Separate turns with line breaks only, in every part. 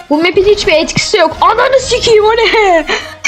Bu map'in hiçbir etkisi yok. Ananı sikeyim, o ne?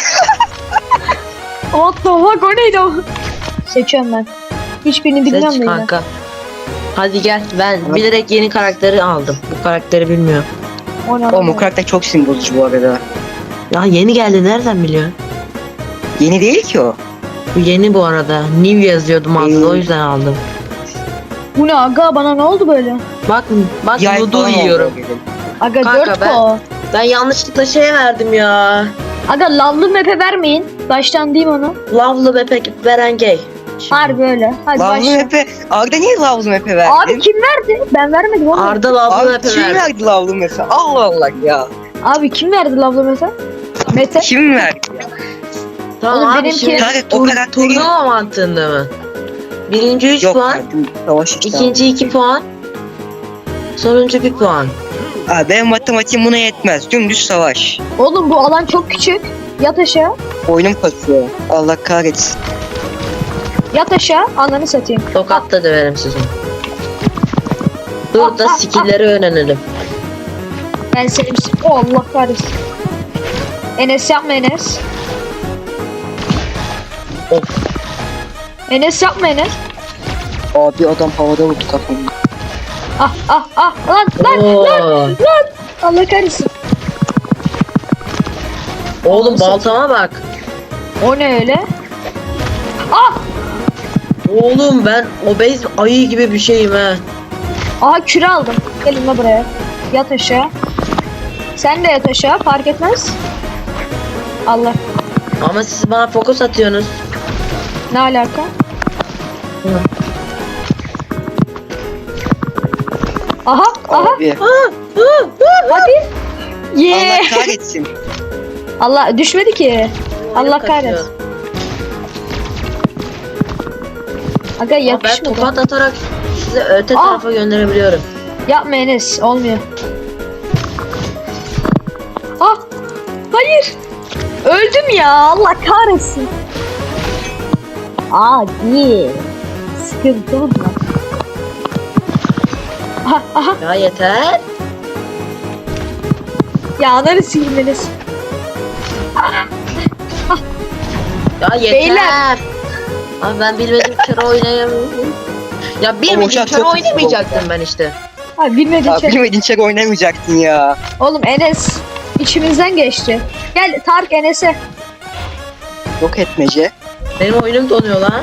What the fuck, o neydi o? Seçiyorum ben. Hiçbirini bilmiyorum
Seç
da yine.
kanka. Hadi gel, ben bilerek yeni karakteri aldım. Bu karakteri bilmiyorum.
O ne?
Oğlum o karakter çok sinir bozucu bu arada.
Ya yeni geldi, nereden biliyorsun?
Yeni değil ki o.
Bu yeni bu arada. New yazıyordum altında, o yüzden aldım.
Bu ne aga, bana ne oldu böyle?
Bak
Yay
noodle
falan oldu
yiyorum.
o benim.
Aga
Kanka
4
ben-
ko.
Ben yanlışlıkla şey verdim ya.
Aga lavlı map'e vermeyin. Baştan diyeyim onu.
Love'lı bebek veren gay. Şimdi
Harbi öyle. Hadi
Lavlı
başla.
Mepe. Arda niye Lavlı Mepe verdin?
Abi kim verdi? Ben vermedim oğlum.
Arda Love'lı
Abi
bebek
kim
verdi.
verdi Lavlı Mepe? Allah Allah ya.
Abi kim verdi lavlı map'e? Mete.
Kim verdi ya?
Tamam
Oğlum
abi,
benimki-
şimdi
Kanka o karakteri...
turnuva mantığında mı? Birinci 3
Yok
puan,
kardeşim, savaş işte.
ikinci 2 puan, sonuncu 1 puan.
Abi benim matematiğim buna yetmez. Dümdüz savaş.
Oğlum bu alan çok küçük. Yat aşağı.
Oyunum kasıyor. Allah kahretsin.
Yat aşağı. Ananı satayım.
Tokat da döverim sizi. Dur da skill'leri öğrenelim.
Ben seni... Oh, Allah kahretsin. Enes yapma Enes.
Of.
Enes yapma Enes.
Abi adam havada vurdu kafamı.
Lan.
Oo.
Allah kahretsin.
Oğlum baltama bak.
O ne öyle? Ah!
Oğlum ben obez ayı gibi bir şeyim ha.
Aha küre aldım. Gelin la buraya. Yat aşağı. Sen de yat aşağı, fark etmez. Allah.
Ama siz bana fokus atıyorsunuz.
Ne alaka? Aha.
Abi.
Hadi. Yeah.
Allah kahretsin.
Allah düşmedi ki. Allah
Oyunum kaçıyor.
kahretsin. Aga
Ama ben
yakışmadı.
tokat atarak sizi öte
Ah!
tarafa gönderebiliyorum.
Yapma Enes, olmuyor. Ah! Hayır! Öldüm ya, Allah kahretsin. Adi. Sıkıntılı mı? Aha.
Ya yeter.
Ya ananı sileyim Enes.
Ya yeter.
Beyler.
Abi ben bilmedim kere oynayamıyorum. Ya bilmedim
uçak
kere
çok
oynamayacaktım ben işte.
Abi bilmediğin
Abi
şey.
bilmediğin çek oynamayacaktın ya.
Oğlum Enes içimizden geçti. Gel Tarık Enes'e.
Yok etmece.
Benim oyunum donuyor lan.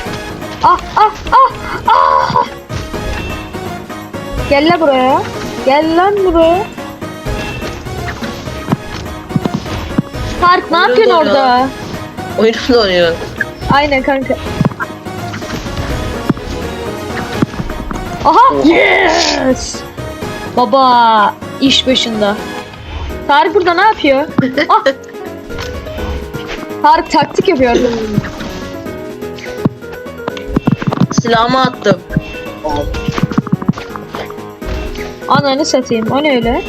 Ah. Gel lan buraya. Gel lan buraya. Tarık ne
Oyun
yapıyorsun
donuyor.
orada?
Oyunum donuyor.
Aynen kanka. Aha! Yes! Baba iş başında. Tarık burada ne yapıyor? Ah! Tarık taktik yapıyor.
Silahımı attım.
Ananı satayım. O ne öyle?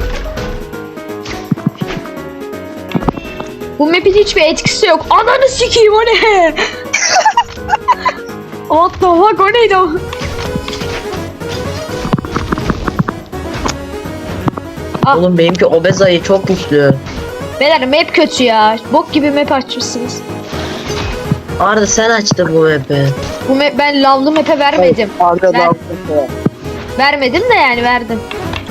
Bu map'in hiçbir etkisi yok. Ananı sikeyim, o ne? What the fuck, o neydi o? Ah.
Oğlum benimki obez ayı çok güçlü.
Beyler map kötü ya. Bok gibi map açmışsınız.
Arda sen açtın bu map'i.
Bu map, ben lavlı map'e vermedim.
Arda
Ben-
Lavlı Mepe.
Vermedim de yani verdim.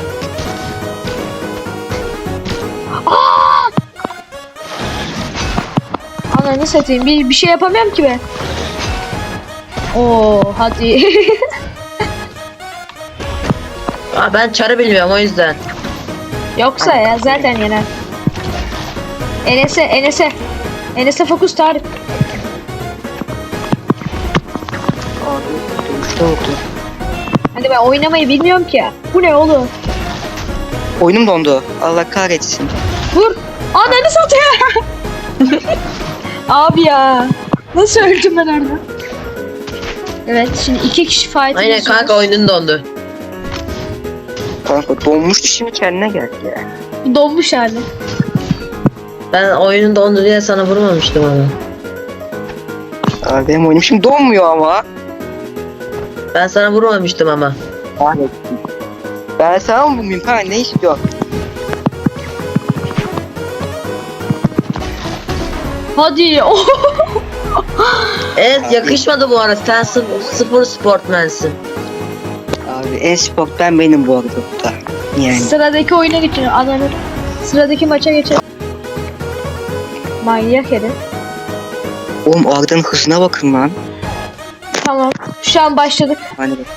Aa! Ananı satayım. Bir şey yapamıyorum ki ben. Oo hadi.
Aa, ben çarı bilmiyorum o yüzden.
Yoksa ya zaten yener. Enes'e fokus Tarık.
Abi uçta oldu.
Hani ben oynamayı bilmiyorum ki. Bu ne oğlum?
Oyunum dondu. Allah kahretsin.
Vur. Ananı satayım. Abi ya. Nasıl öldüm ben orada? Evet şimdi 2 kişi fight
Aynen kanka, oyunun dondu.
Kanka donmuştu, şimdi kendine geldi ya.
Donmuş hali.
Ben oyunun dondu diye sana vurmamıştım ama.
Abi benim oyunum şimdi donmuyor ama.
Ben sana vurmamıştım ama.
Ben sana mı vurmayayım kanka, ne istiyorsun?
Hadi. Oh.
Evet yakışmadı bu arada. Sen sıfır sportmensin.
Abi e-sporttan benim bu arada bu da. Yani.
Sıradaki oyuna geçelim. Ananı. Sıradaki maça geçelim. Manyak herif.
Oğlum Arda'nın hızına bakın lan.
Tamam. Şu an başladık.
Hani bak.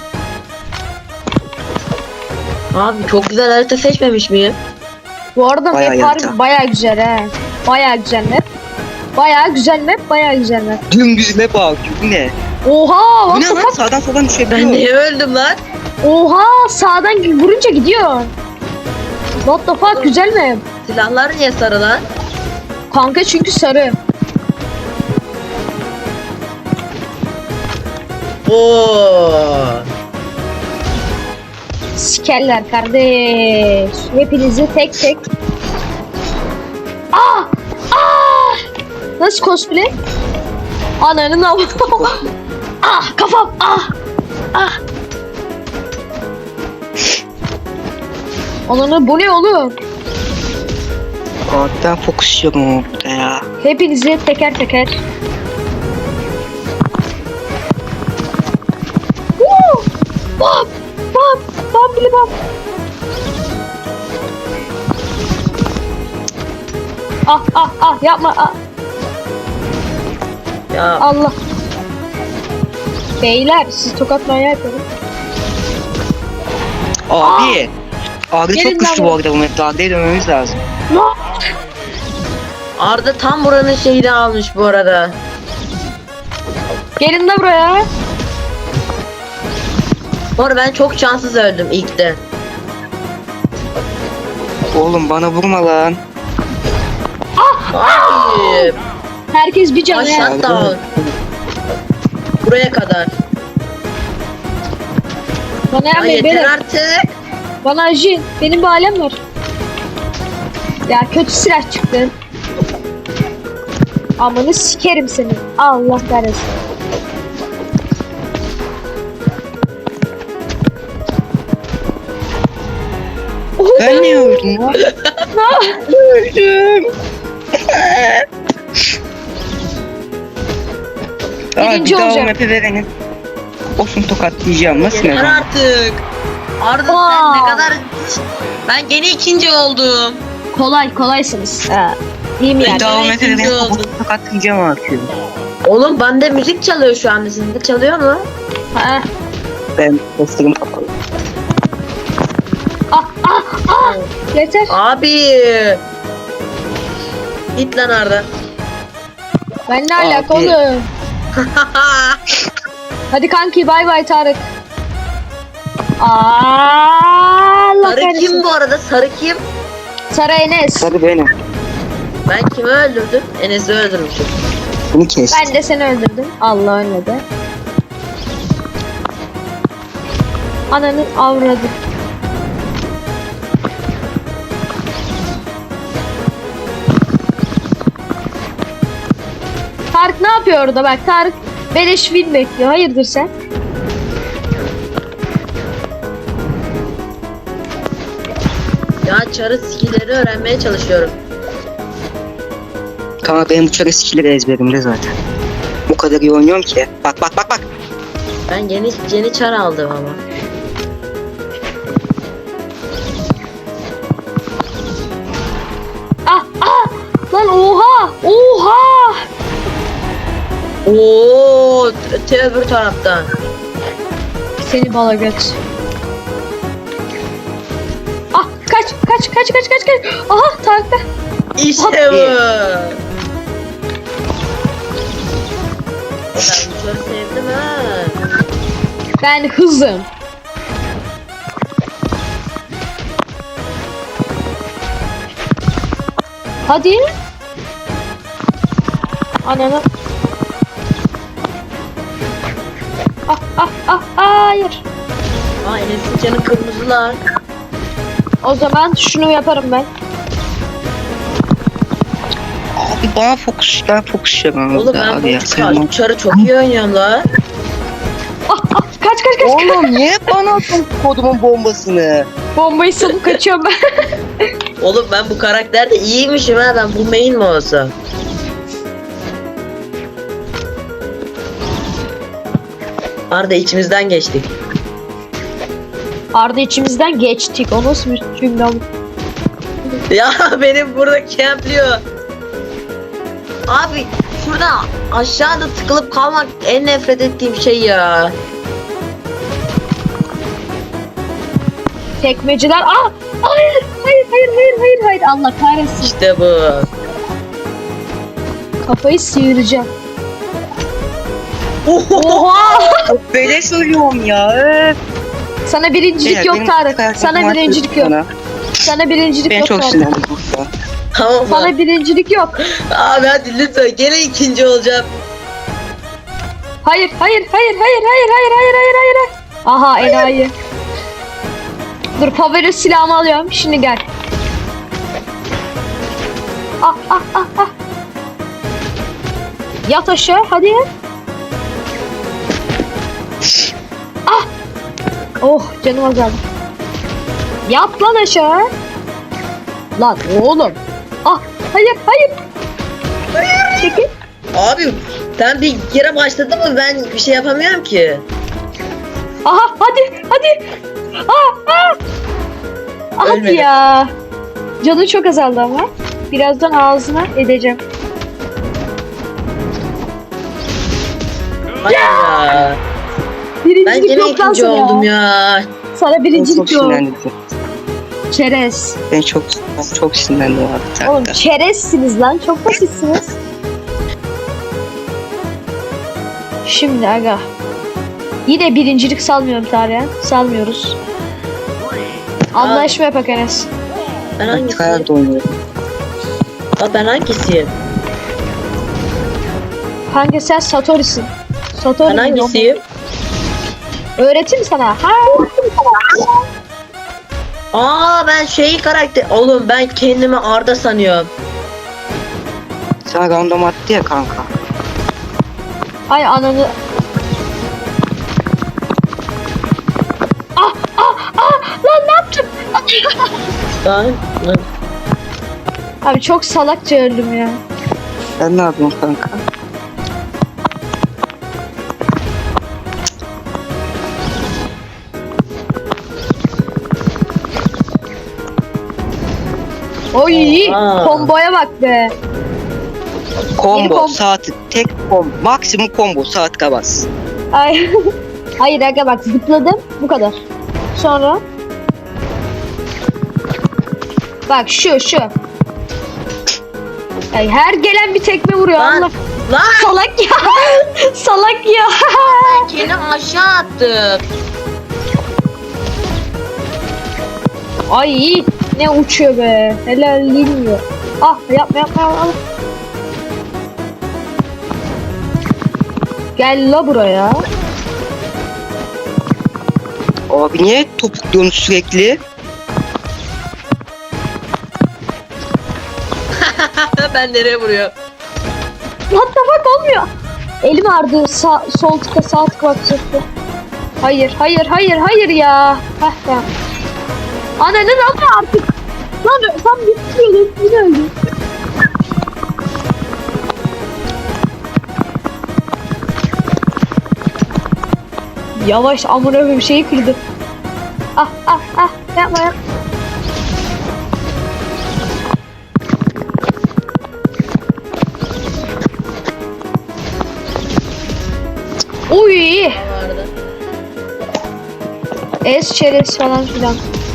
Abi çok güzel harita seçmemiş miyim?
Bu arada
Bayağı
map harbi
yarıta.
bayağı güzel he. Bayağı güzel map. Bayağı güzel map, bayağı güzel map.
Dümdüz ne bak bu ne?
Oha!
Bu
What
ne
the
lan
fuck?
sağdan soldan düşebiliyor.
Ben niye öldüm lan?
Oha! Sağdan vurunca gidiyor. What the fuck? Güzel map.
Silahlar niye sarı lan?
Kanka çünkü sarı.
Oo.
Sikerler kardeş. Hepinizi tek tek. Ah! Ah! Nasıl cosplay? Ananın avı. Ah kafam. Ah! Ah! Ananı bu ne oğlum?
Arda'dan fokus yiyorum burada ya.
Hepinizi teker teker. Woo! Bam! Bam! Bam bili bam! Ah ah ah yapma ah.
Ya
Allah. Beyler siz tokat manyağı yapıyorsunuz.
Abi. Arda
Gelin
çok güçlü
lan
bu arada bu mapte. Arda'ya dönmemiz lazım.
No!
Arda tam buranın şeyini almış bu arada.
Gelin de buraya.
Bu arada ben çok şanssız öldüm ilkte.
Oğlum bana vurma lan.
Abi.
Herkes bir canı.
Aşağı down. Buraya kadar.
Bana
Ya
yapmayın
yeter
beyler.
artık.
Bana acıyın. Benim bir alem var. Ya kötü silah çıktı. Amanı sikerim seni. Allah kahretsin.
Ben niye öldüm lan? Öldüm. Abi
Birinci
bir daha o
olacağım.
map'i verenin. Olsun tokatlayacağım. Nasıl
Yeter
ne?
artık. Arda sen
Aa.
ne kadar... Ben gene ikinci oldum.
Kolaysınız. Ha. İyi mi
Bir
yani?
daha o
Evet,
map'i
ikinci
verenin.
oldum.
Tokatlayacağım artık.
Oğlum bende müzik çalıyor şu anda. Sizde çalıyor mu?
Ha.
Ben postlarım kapalı.
Ah ah ah. Yeter.
Abi. Git lan Arda.
Ben ne alaka
Abi.
oğlum? Hadi kanki bay bay Tarık. Allah
Sarı
kahretsin.
kim bu arada? Sarı kim?
Sarı Enes.
Hadi benim.
Ben kimi öldürdüm? Enes'i öldürmüşüm.
Bunu kes.
Ben de seni öldürdüm. Allah ölmedi. Ananı avradı. Tarık ne yapıyor orada bak Tarık beleş win bekliyor. Hayırdır sen?
Ya çarı skill'leri öğrenmeye çalışıyorum.
Kanka benim bu çare skill'leri ezberimde zaten. Bu kadar iyi oynuyorum ki. Bak bak bak bak.
Ben yeni çar aldım ama.
Ah ah lan oha oha.
Oo, öbür taraftan.
Seni bala göt. Ah kaç. Aha Tarık'ta.
İşte bu. Ben bu çarı sevdim ha.
Ben hızım. Hadi. Ananı. Hayır.
Aa Enes'in canı kırmızılar.
O zaman şunu yaparım ben.
Abi bana fokus. Ben fokus yapamam.
Oğlum ben
abi ya.
bu çarı çok iyi oynuyorum la.
Kaç.
Oğlum niye bana attın kodumun bombasını?
Bombayı salıp kaçıyorum ben.
Oğlum ben bu karakterde iyiymişim ha. Ben bu main mi olsam? Arda içimizden geçtik.
Arda içimizden geçtik. O nasıl bir cümle abi?
Ya benim burada campliyor. Abi şurada aşağıda tıkılıp kalmak en nefret ettiğim şey ya.
Tekmeciler. Aa! Hayır! Hayır! Hayır! Hayır! Hayır! Hayır! Allah kahretsin.
İşte bu.
Kafayı sıyıracağım.
Oho.
Oha!
Böyle söylüyorum ya.
Sana birincilik
Beyler,
yok
benim
Tarık.
karakterim
Sana
var
birincilik yok.
bana.
Sana birincilik
Ben
yok
çok
Tarık.
sinirlendim burada.
Tamam mı?
Sana birincilik yok.
Abi hadi lütfen gene ikinci olacağım.
Hayır, hayır, hayır, hayır, hayır, hayır, hayır, hayır, hayır. Aha enayi. Dur favori silahımı alıyorum. Şimdi gel. Ah ah ah ah. Yat aşağı hadi. Ah. Oh canım azaldı. Yat lan aşağı. Lan oğlum. Ah hayır hayır. Çekil.
Abi sen bir kere başladın mı ben bir şey yapamıyorum ki.
Aha hadi hadi. Ah ah. Hadi
Ölmedim.
ya. Canı çok azaldı ama. Birazdan ağzına edeceğim.
Hayır ya. Ben
Birincilik
gene
yok lan
ikinci
sana
oldum
ya.
ya.
Sana
Ben çok
birincilik yok.
sinirlendim.
Çerez.
Ben çok sinirlendim abi.
Oğlum
Takta.
çerezsiniz lan. Çok basitsiniz. Şimdi aga. Yine birincilik salmıyorum Tarık'a. Salmıyoruz. Anlaşma yapak Enes.
Ben
Ben
hangisiyim?
kayarda oynuyorum.
Aa, ben hangisiyim?
Kanka sen Satori'sin. Satori
Ben hangisiyim?
öğreteyim sana. Ha.
Aa ben karakter. Oğlum ben kendimi Arda sanıyorum.
Sana random attı ya kanka.
Ay ananı. Ah ah ah lan ne yaptım?
Ben
Abi çok salakça öldüm ya.
Sen ne yapıyorsun kanka?
Oy
Oha.
komboya bak be.
Combo
kom-
saati tek combo. Maksimum combo saat kabas.
Ay. Hayır aga bak zıpladım bu kadar. Sonra bak şu. Ay, her gelen bir tekme vuruyor
Lan.
Allah.
Lan
Salak ya. Salak ya.
kendimi aşağı attım.
Ay ne uçuyor be. Helal inmiyor. Ah yapma. Gel la buraya.
Abi niye topukluyorsun sürekli?
Ben nereye vuruyorum?
What the fuck olmuyor. Elim ağrıdı. Sol tıka sağ tıka bakacaktı. Hayır ya. Heh tamam. Ananın ama artık. Lan tam bitiriyordum. Yine öldüm. Yavaş amına koyayım şeyi kırdı. Ah yapma. Uy.
Vardı.
Es çerez falan filan.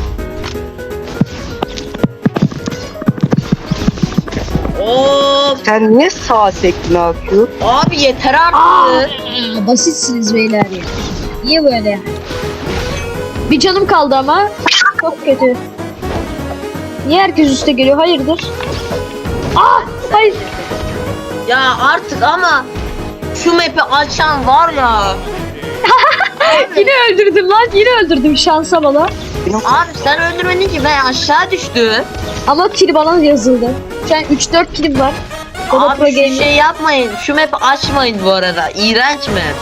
Of
Sen niye sağa sektin akıyor?
abi yeter artık.
Basitsiniz beyler ya. Niye böyle? Bir canım kaldı ama çok kötü. Niye herkes üste geliyor? Hayırdır? Hayır.
Ya artık ama şu map'i açan var ya.
Yine öldürdüm lan. Yine öldürdüm şansa bana.
Benim
Abi sen öldürmedin ki ben aşağı düştüm.
Ama kill bana yazıldı. Şu an 3-4 killim var. O da pro
Abi şu
game.
şey yapmayın. Şu map'i açmayın bu arada. İğrenç map.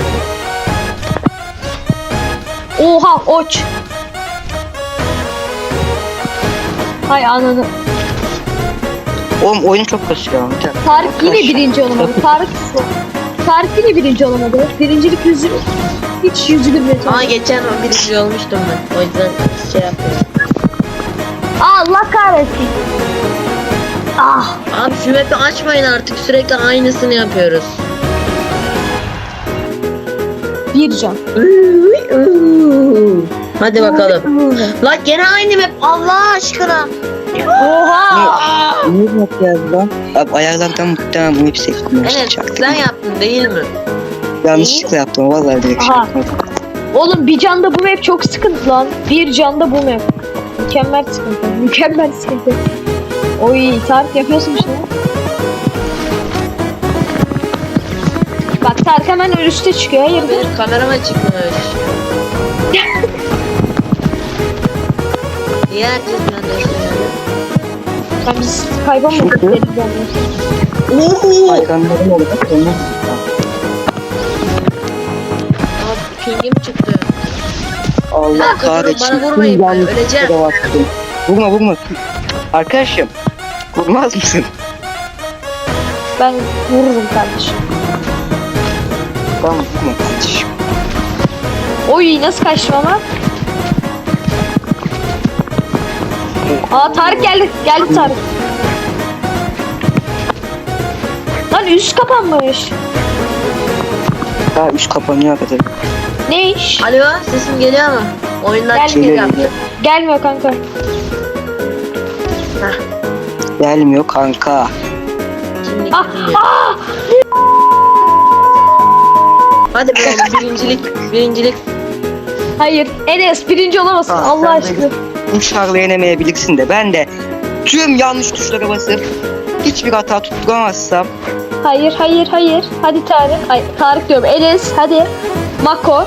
Oha oç. Hay ananı.
oğlum oyun çok kasıyor.
Tarık yine birinci olamadı. Tarık Tarık yine birinci olamadı. Birincilik yüzü hiç yüzü gülmedi.
Ama geçen birinci olmuştum ben. O yüzden şey yapıyorum.
Allah kahretsin. Ah.
Abi şu map'i açmayın artık. Sürekli aynısını yapıyoruz.
Bir can.
Hadi bakalım. Lan gene aynı map. Allah aşkına.
Oha.
Ne yapacağız lan? Abi ayarlardan muhtemelen bunu hep seçtim.
Evet sen yaptın değil mi?
Yanlışlıkla yaptım vallahi direkt şey
Aha.
yapmadım.
Oğlum bir canda bu map çok sıkıntı lan. Bir canda bu map. Mükemmel sıkıntı. Mükemmel sıkıntı. Oy Tarık yapıyorsun işte. Bak Tarık hemen üste çıkıyor. Hayırdır?
Benim kamerama çıkmıyor. Niye herkes benden söylüyor?
Ben biz kaybolmadık.
Çünkü-
elimden.
Aykanların olarak onu
Abi pingim çıktı.
Allah
Bana
kahretsin.
vurmayın, ben
Yanlışlıkla
öleceğim.
da bastım. Vurma. Arkadaşım. Vurmaz mısın?
Ben vururum kardeşim.
Tamam vurma kardeşim.
Oy nasıl kaçtım ama? Aa Tarık geldi. Geldi Tarık. Lan üst kapanmış.
Daha üst kapanıyor kadar.
Ne iş?
Alo sesim geliyor mu? Oyundan
Gel,
çıkıyor
geliyor,
yaptı.
geliyor.
Gelmiyor kanka.
Gelmiyor kanka.
Şimdi
Ah,
geliyor.
ah!
Hadi be birincilik.
Hayır. Enes birinci olamazsın.
Ah,
Allah
sen de-
aşkına.
Bu şarlı yenemeyebilirsin de ben de tüm yanlış tuşlara basıp hiçbir hata tutturamazsam
Hayır. Hadi Tarık. Ay Tarık diyorum. Enes hadi. Mako.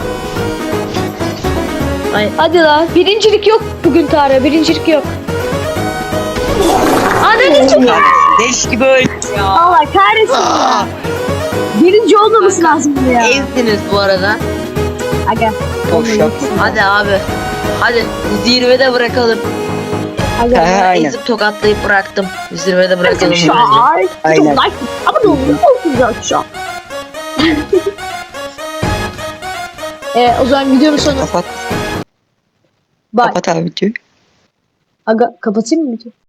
Ay.
Hadi lan. Birincilik yok bugün Tarık. Birincilik yok. Ananı
leş gibi öyle.
Allah kahretsin ya. Birinci olmaması lazım ya.
Ezdiniz bu arada.
Aga.
Boş yapma.
Hadi abi. Hadi zirvede bırakalım.
Aga.
Aynen.
Ezip tokatlayıp bıraktım. Zirvede bırakalım
Şu
bence.
an.
Aynen.
Like. Ama ne oluyor? Olsun şu an. O zaman videonun sonu.
Kapat,
Bye.
kapat abi diyor.
Aga kapatayım mı videoyu?